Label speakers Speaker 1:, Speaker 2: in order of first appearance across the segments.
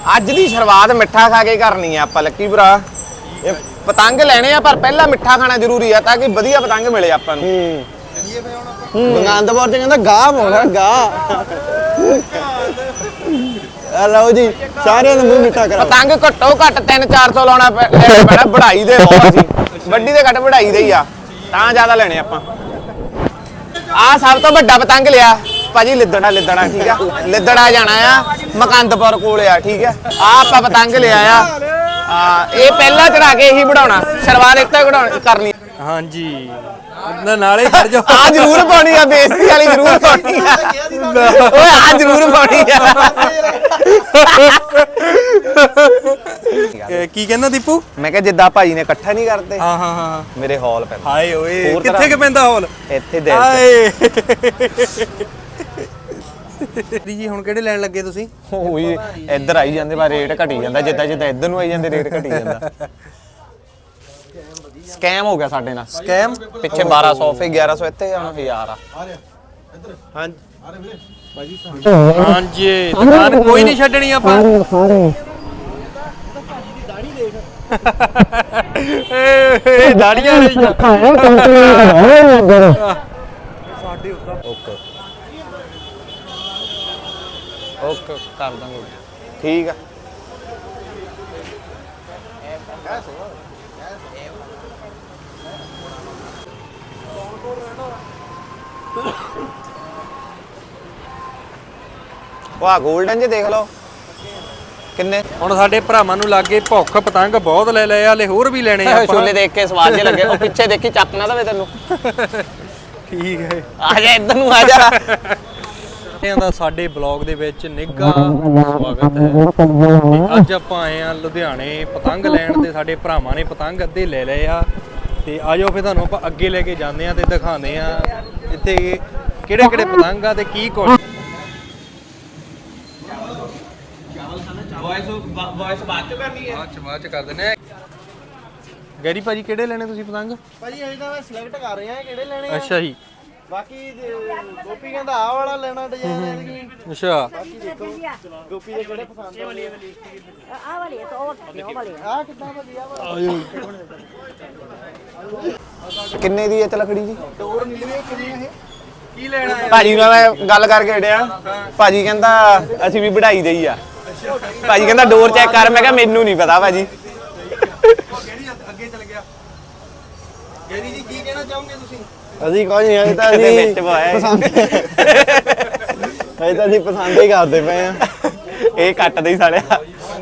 Speaker 1: ਅੱਜ ਦੀ ਸ਼ੁਰੂਆਤ ਮਿੱਠਾ ਖਾ ਕੇ ਕਰਨੀ ਆ ਆਪਾਂ ਲੱਕੀ ਭਰਾ। ਇਹ ਪਤੰਗ ਲੈਣੇ ਆ ਪਰ ਪਹਿਲਾਂ ਮਿੱਠਾ ਖਾਣਾ ਜ਼ਰੂਰੀ ਆ ਤਾਂ ਕਿ ਵਧੀਆ ਪਤੰਗ ਮਿਲੇ ਆਪਾਂ ਨੂੰ।
Speaker 2: ਆਨੰਦਪੁਰ ਚ ਕਹਿੰਦਾ ਗਾਹ ਪਾਉਣਾ ਗਾਹ। ਲਓ ਜੀ ਸਾਰਿਆਂ ਨੂੰ ਮੂੰਹ ਮਿੱਠਾ ਕਰਾਓ।
Speaker 1: ਪਤੰਗ ਘੱਟੋ ਘੱਟ 300-400 ਲਾਉਣਾ ਪੈਣਾ। ਵਢਾਈ ਦੇ ਬਹੁਤ ਅਸੀਂ ਵੱਡੀ ਦੇ ਘੱਟ ਵਢਾਈ ਦੇ ਹੀ ਆ ਤਾਂ ਜ਼ਿਆਦਾ ਲੈਣੇ ਆਪਾਂ। ਆ ਸਭ ਤੋਂ ਵੱਡਾ ਪਤੰਗ ਲਿਆ ਭਾਜੀ ਲਿੱਦੜਾ ਠੀਕ ਆ। ਲਿੱਦੜਾ ਜਾਣਾ ਆ ਮਕੰਦਪੁਰ ਕੋਲ ਆ ਠੀਕ ਆ। ਆ ਆਪਾਂ ਪਤੰਗ ਲਿਆ ਆ ਇਹ ਪਹਿਲਾਂ ਚੜਾ ਕੇ ਇਹੀ ਵਢਾਉਣਾ ਸ਼ੁਰੂਆਤ ਇੱਥੇ ਕਰਨੀ।
Speaker 3: ਹਾਂਜੀ ਨਾਲੇ ਖੜ ਜਾਓ।
Speaker 1: ਆ ਜ਼ਰੂਰ ਪਾਉਣੀ ਆ ਬੇਇੱਜ਼ਤੀ ਵਾਲੀ ਜ਼ਰੂਰ ਪਾਉਣੀ ਆ ਓਏ ਆ ਜ਼ਰੂਰ ਪਾਉਣੀ ਆ।
Speaker 3: ਕੀ ਕਹਿੰਦਾ ਦੀਪੂ?
Speaker 1: ਮੈਂ ਕਿਹਾ ਜਿੱਦਾਂ ਭਾਜੀ ਨੇ ਇਕੱਠਾ ਨਹੀਂ ਕਰਦੇ
Speaker 3: ਹਾਂ
Speaker 1: ਮੇਰੇ ਹਾਲ ਪੈਂਦਾ।
Speaker 3: ਹਾਏ ਓਏ ਕਿੱਥੇ ਕਿ ਪੈਂਦਾ ਹਾਲ?
Speaker 1: ਇੱਥੇ ਦੇ
Speaker 3: ਹਾਏ ਜੀ ਹੁਣ ਕਿਹੜੇ ਲੈਣ ਲੱਗੇ ਤੁਸੀਂ?
Speaker 1: ਉਹੀ ਇੱਧਰ ਆਈ ਜਾਂਦੇ ਪਰ ਰੇਟ ਘਟੀ ਜਾਂਦਾ ਜਿੱਦਾਂ ਇੱਧਰ ਨੂੰ ਆਈ ਜਾਂਦੇ ਰੇਟ ਘਟੀ ਜਾਂਦਾ। ਸਕੈਮ ਹੋ ਗਿਆ ਸਾਡੇ ਨਾਲ।
Speaker 3: ਸਕੈਮ
Speaker 1: ਪਿੱਛੇ 1200 ਫੇ 1100 ਇੱਥੇ ਹੁਣ 1000 ਆ।
Speaker 3: ਹਾਂਜੀ ਦੁਕਾਨ ਕੋਈ ਨਹੀਂ ਛੱਡਣੀ ਆਪਾਂ। ਏ ਦਾੜੀਆਂ ਰਹੀਆਂ
Speaker 1: ਸਾਡੇ ਓਕੇ ਕਰ ਦਾਂਗੇ ਠੀਕ ਆ। ਵਾਹ 골ਡਨ ਜੇ ਦੇਖ ਲਓ ਕਿੰਨੇ।
Speaker 3: ਹੁਣ ਸਾਡੇ ਭਰਾਵਾਂ ਨੂੰ ਲੱਗੇ ਭੁੱਖ ਪਤੰਗ ਬਹੁਤ ਲੈ ਲਏ ਹਲੇ ਹੋਰ ਵੀ ਲੈਣੇ ਆ।
Speaker 1: ਛੋਲੇ ਦੇਖ ਕੇ ਸਵਾਦ ਜੇ ਲੱਗੇ। ਉਹ ਪਿੱਛੇ ਦੇਖੀ ਚੱਕ ਨਾ ਦਵੇ ਤੈਨੂੰ।
Speaker 3: ਠੀਕ ਹੈ
Speaker 1: ਆ ਜਾ ਇੱਧਰ ਨੂੰ ਆ ਜਾ।
Speaker 3: ਦਾ ਸਾਡੇ ਬਲੌਗ ਦੇ ਵਿੱਚ ਨਿੱਘਾ ਸਵਾਗਤ ਹੈ। ਤੇ ਅੱਜ ਆਪਾਂ ਆਏ ਆ ਲੁਧਿਆਣੇ ਪਤੰਗ ਲੈਣ ਤੇ ਸਾਡੇ ਭਰਾਵਾਂ ਨੇ ਪਤੰਗ ਅੱਧੇ ਲੈ ਲਏ ਆ ਤੇ ਆਜੋ ਫਿਰ ਤੁਹਾਨੂੰ ਆਪਾਂ ਅੱਗੇ ਲੈ ਕੇ ਜਾਂਦੇ ਆ ਤੇ ਦਿਖਾਉਂਦੇ ਆ ਇੱਥੇ ਕਿਹੜੇ ਕਿਹੜੇ ਪਤੰਗ ਆ ਤੇ ਕੀ ਕੁਝ।
Speaker 1: ਵੌਇਸ ਬਾਅਦ ਚ ਕਰਨੀ ਹੈ।
Speaker 3: ਬਾਅਦ ਚ ਕਰ ਦਿੰਦੇ ਆ। ਗੈਰੀ ਭਾਜੀ ਕਿਹੜੇ ਲੈਣੇ ਤੁਸੀਂ ਪਤੰਗ?
Speaker 2: ਭਾਜੀ ਅਸੀਂ ਤਾਂ ਸਿਲੈਕਟ ਕਰ ਰਹੇ ਆ ਕਿਹੜੇ ਲੈਣੇ ਆ।
Speaker 3: ਅੱਛਾ ਜੀ
Speaker 2: ਬਾਕੀ ਗੋਪੀ ਕਹਿੰਦਾ ਆਹ ਵਾਲਾ ਲੈਣਾ ਡਿਜ਼ਾਈਨ ਐਤਕੀ।
Speaker 3: ਅੱਛਾ
Speaker 2: ਬਾਕੀ ਦੇਖੋ ਗੋਪੀ ਦੇ ਕਿਹੜੇ ਪਸੰਦ ਆ।
Speaker 4: ਆਹ ਵਾਲੀ ਤਾਂ ਉਹ ਵਾਲੀ
Speaker 2: ਆਹ ਕਿੱਦਾਂ ਵਧੀਆ ਵਾ।
Speaker 1: ਕਿੰਨੇ ਦੀ ਹੈ ਤਲਖੜੀ ਜੀ?
Speaker 2: ਡੋਰ ਨੀਲੇ ਕਿੰਨੇ ਇਹ
Speaker 3: ਕੀ ਲੈਣਾ ਹੈ?
Speaker 1: ਭਾਜੀ ਨਾਲ ਮੈਂ ਗੱਲ ਕਰਕੇ ਹਟਿਆ। ਭਾਜੀ ਕਹਿੰਦਾ ਅਸੀਂ ਵੀ ਵਢਾਈ ਦੇਈ ਆ। ਭਾਜੀ ਕਹਿੰਦਾ ਡੋਰ ਚੈੱਕ ਕਰ। ਮੈਂ ਕਿਹਾ ਮੈਨੂੰ ਨਹੀਂ ਪਤਾ ਭਾਜੀ।
Speaker 3: ਅੱਗੇ ਚੱਲ ਗਿਆ। ਗੈਰੀ ਜੀ ਕੀ ਕਹਿਣਾ ਚਾਹੋਗੇ ਤੁਸੀਂ?
Speaker 2: ਅਸੀਂ ਕੋਈ ਨਹੀਂ ਅਜੇ ਤਾਂ
Speaker 1: ਵਿੱਚ
Speaker 2: ਅਸੀਂ
Speaker 1: ਪਾਇਆ
Speaker 2: ਪਸੰਦ ਅਜੇ ਤਾਂ ਅਸੀਂ ਪਸੰਦ ਹੀ ਕਰਦੇ ਪਏ ਆ।
Speaker 1: ਇਹ ਕੱਟਦੇ ਹੀ ਸਾਲਿਆ।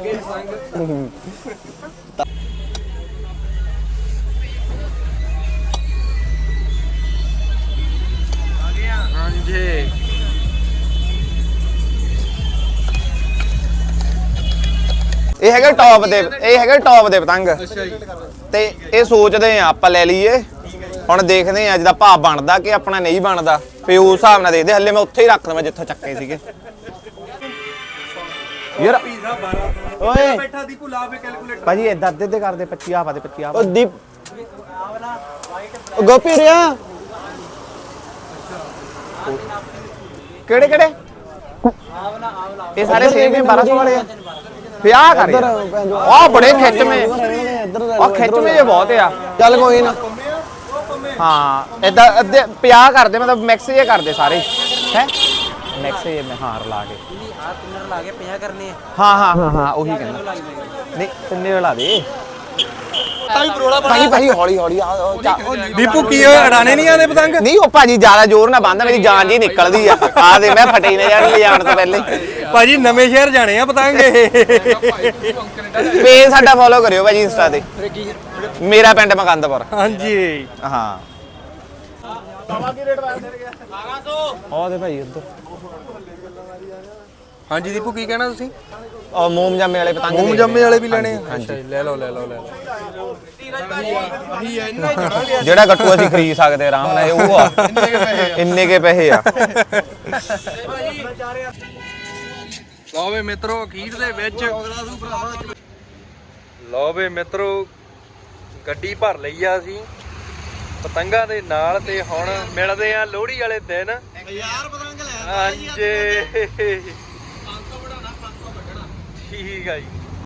Speaker 3: ਹਾਂਜੀ
Speaker 1: ਇਹ ਹੈਗਾ ਟੌਪ ਦੇ ਪਤੰਗ। ਤੇ ਇਹ ਸੋਚਦੇ ਆ ਆਪਾਂ ਲੈ ਲਈਏ। ਹੁਣ ਦੇਖਦੇ ਆ ਜਿਹਦਾ ਭਾਅ ਬਣਦਾ ਕਿ ਆਪਣਾ ਨਹੀਂ ਬਣਦਾ ਫੇ ਉਸ ਹਿਸਾਬ ਨਾਲ ਦੇਖਦੇ। ਹੱਲੇ ਮੈਂ ਉੱਥੇ ਹੀ ਰੱਖ ਦਵਾਂ ਜਿੱਥੋਂ ਚੱਕੇ ਸੀਗੇ ਯਾਰ।
Speaker 2: ਓਏ
Speaker 3: ਬੈਠਾ ਦੀਪੂ ਲਾ ਵੇ ਕੈਲਕੂਲੇਟਰ।
Speaker 1: ਭਾਜੀ ਇਦਾਂ ਅੱਧੇ ਕਰਦੇ 25 ਆ ਦੇ 25
Speaker 2: ਉਹ ਦੀਪ ਉਹ ਗੋਪੀ ਰਿਆ
Speaker 1: ਕਿਹੜੇ ਇਹ ਸਾਰੇ ਸੇਮ ਹੀ 1200 ਵਾਲੇ ਆ। ਵਿਆਹ ਕਰ ਆ ਬੜੇ ਖਿੱਚਵੇਂ ਆ ਖਿੱਚਵੇਂ ਜੇ ਬਹੁਤ ਆ।
Speaker 2: ਚੱਲ ਕੋਈ ਨਾ
Speaker 1: ਹਾਂ ਇਦਾਂ ਅੱਧੇ 50 ਕਰਦੇ ਮਤਲਬ ਮਿਕਸ ਜੇ ਕਰਦੇ ਸਾਰੇ ਹੈ ਮਿਕਸ ਜੇ ਮੈਂ ਹਾਰ ਲਾ ਕੇ
Speaker 4: ਆ ਤਿੰਨ ਲਾ ਕੇ 50 ਕਰਨੇ ਆ।
Speaker 1: ਹਾਂ ਉਹੀ ਕਹਿੰਦਾ ਨਹੀਂ ਤਿੰਨੇ ਲਾ ਦੇ ਭਾਜੀ ਹੌਲੀ
Speaker 3: ਦੀਪੂ ਕੀ ਹੋਇਆ ਅੜਾਣੇ ਨਹੀਂ ਆਦੇ ਪਤੰਗ?
Speaker 1: ਨਹੀਂ ਉਹ ਭਾਜੀ ਜ਼ਿਆਦਾ ਜ਼ੋਰ ਨਾ ਬੰਦਾ ਮੇਰੀ ਜਾਨ ਜੀ ਨਿਕਲਦੀ ਆ ਦੇ ਮੈਂ ਫਟੇ ਨਾ ਜਾਣ ਲਿਜਾਣ ਤੋਂ ਪਹਿਲੇ।
Speaker 3: ਭਾਜੀ ਨਵੇਂ ਸ਼ਹਿਰ ਜਾਣੇ ਆ ਪਤੰਗ ਇਹ।
Speaker 1: ਪੇਜ ਸਾਡਾ ਫੋਲੋ ਕਰਿਓ ਭਾਜੀ ਇੰਸਟਾ ਤੇ ਮੇਰਾ ਪਿੰਡ ਮਕੰਦਪੁਰ।
Speaker 3: ਹਾਂਜੀ
Speaker 1: ਹਾਂ ਉਹ ਦੇ ਭਾਈ ਉੱਧਰ।
Speaker 3: ਹਾਂਜੀ ਦੀਪੂ ਕੀ ਕਹਿਣਾ ਤੁਸੀਂ?
Speaker 1: ਉਹ ਮੋਮ ਜਾਮੇ ਵਾਲੇ ਪਤੰਗ
Speaker 3: ਮੋਮ ਜਾਮੇ ਵਾਲੇ ਵੀ ਲੈਣੇ ਆ?
Speaker 1: ਹਾਂਜੀ
Speaker 3: ਲੈ ਲਓ
Speaker 1: ਜਿਹੜਾ ਗੱਟੂ ਅਸੀਂ ਖਰੀਦ ਸਕਦੇ ਆਰਾਮ ਨਾਲ ਉਹ ਆ। ਇੰਨੇ ਕੇ ਪੈਸੇ ਆ।
Speaker 3: ਲਓ ਵੇ ਮਿੱਤਰੋ ਅਖੀਰ ਦੇ ਵਿੱਚ ਲਓ ਵੇ ਮਿੱਤਰੋ ਗੱਡੀ ਭਰ ਲਈ ਆ ਅਸੀਂ ਪਤੰਗਾਂ ਦੇ ਨਾਲ ਤੇ ਹੁਣ ਮਿਲਦੇ ਆ ਲੋਹੜੀ ਵਾਲੇ ਦਿਨ।
Speaker 2: 1000 ਪਤੰਗ ਲੈ
Speaker 3: ਹਾਂਜੀ ਠੀਕ ਆ ਜੀ।